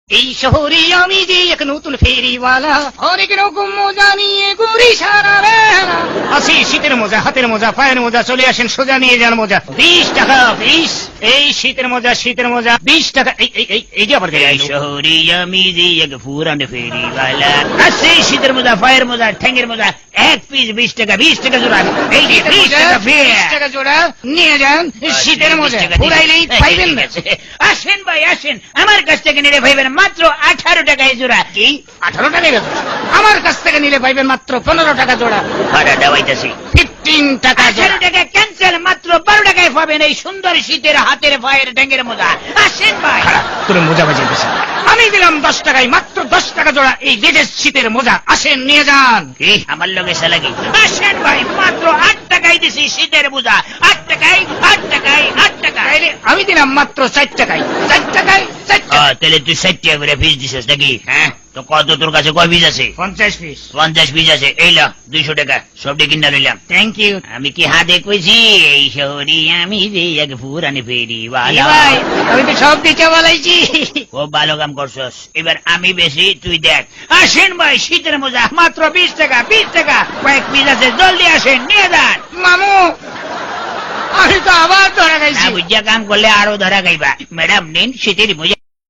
এই শহরে আমি যে এক নতুন ফেরিওয়ালা, অনেক রকম মজা নিয়ে ঘুরি সারা বেলা। আছে শীতের মোজা, হাতের মোজা, পায়ের মোজা, চলে আসেন সোজা নিয়ে যান মোজা। 20 টাকা 20। এই শীতের মোজা, শীতের মোজা 20 টাকা। এই যে আবার এই শহরে আমি যে এক পুরান ফেরিওয়ালা, আছে শীতের মোজা, পায়ের মোজা, ঠ্যাঙ্গের মোজা, এক পিস 20 টাকা, 20 টাকা জোড়া। এই যে 20 টাকা ফের 20 টাকা জোড়া নিয়ে যান শীতের মোজা, ঘুরাইলেই পাইবেন না। আসেন ভাই আসেন, আমার কাছ থেকে নিলে ভাইবেন মাত্র 18 টাকায় জোড়া। কি 18 টাকায় বেচো? আমার কাছ থেকে নিলে পাইবেন মাত্র 15 টাকা জোড়া। ভাড়া দেওয়াইতেছি 15 টাকা জোড়া। 18 টাকা ক্যান্সেল, মাত্র 12 টাকায় পাবেন এই সুন্দর শীতের হাতের পায়ের ঠ্যাঙ্গের মোজা। আসেন ভাই। তোর মোজা বাজিয়ে দিছি। আমি দিলাম 10 টাকায়, মাত্র 10 টাকা জোড়া এই লেটেস্ট শীতের মোজা। আসেন নিয়ে যান। কি আমার লগে সালাকি? আসেন ভাই, মাত্র 8 টাকায় দিছি শীতের মোজা। 8 টাকায় 8 টাকায় 8 টাকা। তাইলে আমি দিলাম মাত্র 4 টাকায়, 4 টাকায় 4 টাকা। তাহলে তুই 60 টাকা করে ফিস দিছিস নাকি? হ্যাঁ, তো কত তোর কাছে কয় পিস আছে? 50 পিস। 50 পিস আছে। এই ল 200 টাকা, সবটি কিনা নিলাম। Thank you. আমি কি হাতে কইছি এই শহরে আমি যে এক পুরানি ফেরিওয়ালা? ভাই আমি তো সব দিতে বলাইছি। খুব ভালো কাম করছস। এবার আমি বেশি, তুই দেখ। আসেন ভাই, শীতের মোজা মাত্র 20 টাকা, 20 টাকা। কয়েক পিস আছে, জলদি আসেন নিয়ে যান। মামু আমি তো আবার ধরা খাইছি। না বুঝিয়া কাম করলে আরো ধরা খাইবা। ম্যাডাম নিন শীতের মোজা।